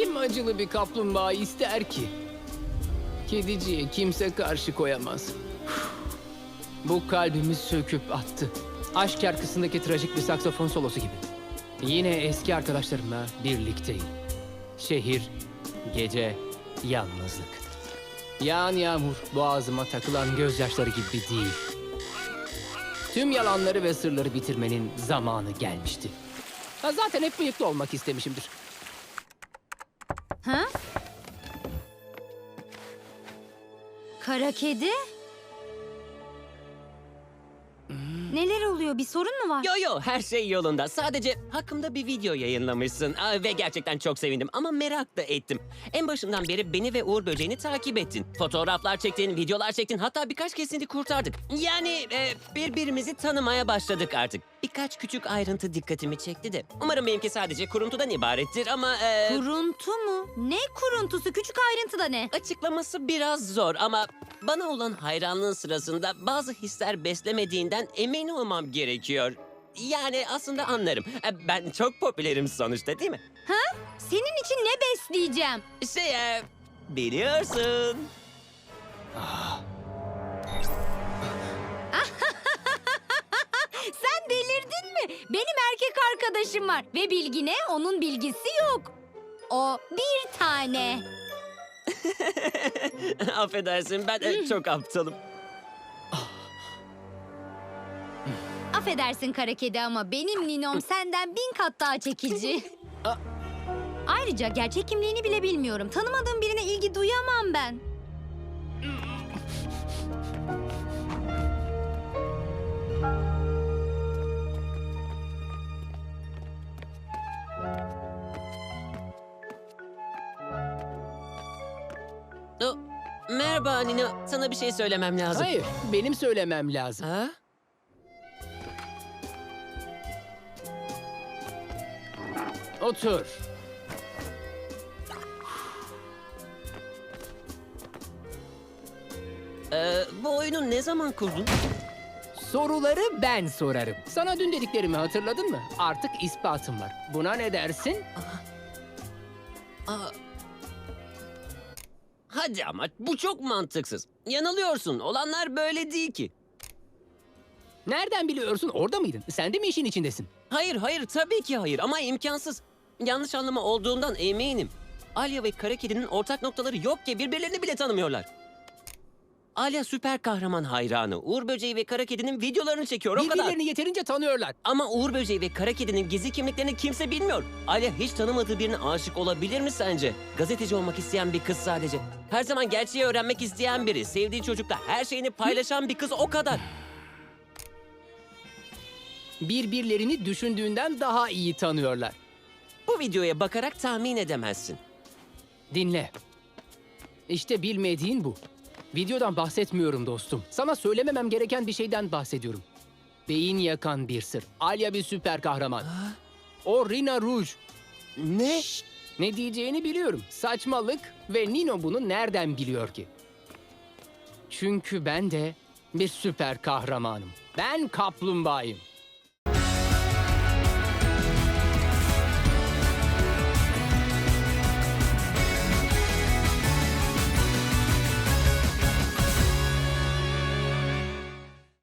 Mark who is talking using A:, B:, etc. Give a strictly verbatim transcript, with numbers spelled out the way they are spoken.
A: Kim acılı bir kaplumbağa ister ki? Kediciye kimse karşı koyamaz. Bu kalbimi söküp attı. Aşk şarkısındaki trajik bir saksafon solosu gibi. Yine eski arkadaşlarımla birlikteyim. Şehir, gece, yalnızlık. Yağan yağmur boğazıma takılan gözyaşları gibi değil. Tüm yalanları ve sırları bitirmenin zamanı gelmişti. Ha, zaten hep birlikte olmak istemişimdir.
B: Ha? Kara kedi? Neler oluyor? Bir sorun mu var?
C: Yo yo, her şey yolunda. Sadece hakkımda bir video yayınlamışsın. Aa, ve gerçekten çok sevindim ama merak da ettim. En başından beri beni ve Uğur Böceği'ni takip ettin. Fotoğraflar çektin, videolar çektin, hatta birkaç kesini kurtardık. Yani e, birbirimizi tanımaya başladık artık. Birkaç küçük ayrıntı dikkatimi çekti de. Umarım benimki sadece kuruntudan ibarettir ama... E,
B: Kuruntu mu? Ne kuruntusu? Küçük ayrıntı da ne?
C: Açıklaması biraz zor ama bana olan hayranlığın sırasında bazı hisler beslemediğinden emin olmam gerekiyor. Yani aslında anlarım. E, Ben çok popülerim sonuçta, değil mi?
B: Ha? Senin için ne besleyeceğim?
C: Şey, e, biliyorsun.
B: Sen delirdin mi? Benim erkek arkadaşım var ve bilgine onun bilgisi yok. O bir tane.
C: Affedersin, ben e, çok aptalım.
B: Affedersin kara kedi ama benim Ninom senden bin kat daha çekici. Ayrıca gerçek kimliğini bile bilmiyorum. Tanımadığım birine ilgi duyamam ben.
C: O, merhaba Nina, sana bir şey söylemem lazım.
A: Hayır, benim söylemem lazım.
C: Ha?
A: Otur.
C: Ee, bu oyunu ne zaman kurdun?
A: Soruları ben sorarım. Sana dün dediklerimi hatırladın mı? Artık ispatım var. Buna ne dersin?
C: Aa, hadi ama bu çok mantıksız. Yanılıyorsun. Olanlar böyle değil ki.
A: Nereden biliyorsun? Orada mıydın? Sen de mi işin içindesin?
C: Hayır hayır tabii ki hayır ama imkansız. Yanlış anlama olduğundan eminim. Alya ve Kara Kedi'nin ortak noktaları yok ki birbirlerini bile tanımıyorlar. Alya süper kahraman hayranı. Uğur Böceği ve Kara Kedi'nin videolarını çekiyor o kadar.
A: Birbirlerini yeterince tanıyorlar.
C: Ama Uğur Böceği ve Kara Kedi'nin gizli kimliklerini kimse bilmiyor. Alya hiç tanımadığı birine aşık olabilir mi sence? Gazeteci olmak isteyen bir kız sadece. Her zaman gerçeği öğrenmek isteyen biri. Sevdiği çocukla her şeyini paylaşan bir kız o kadar.
A: Birbirlerini düşündüğünden daha iyi tanıyorlar.
C: Bu videoya bakarak tahmin edemezsin.
A: Dinle. İşte bilmediğin bu. Videodan bahsetmiyorum dostum. Sana söylememem gereken bir şeyden bahsediyorum. Beyin yakan bir sır. Alya bir süper kahraman. O Rina Rouge.
C: Ne?
A: Ne diyeceğini biliyorum. Saçmalık ve Nino bunu nereden biliyor ki? Çünkü ben de bir süper kahramanım. Ben kaplumbağayım.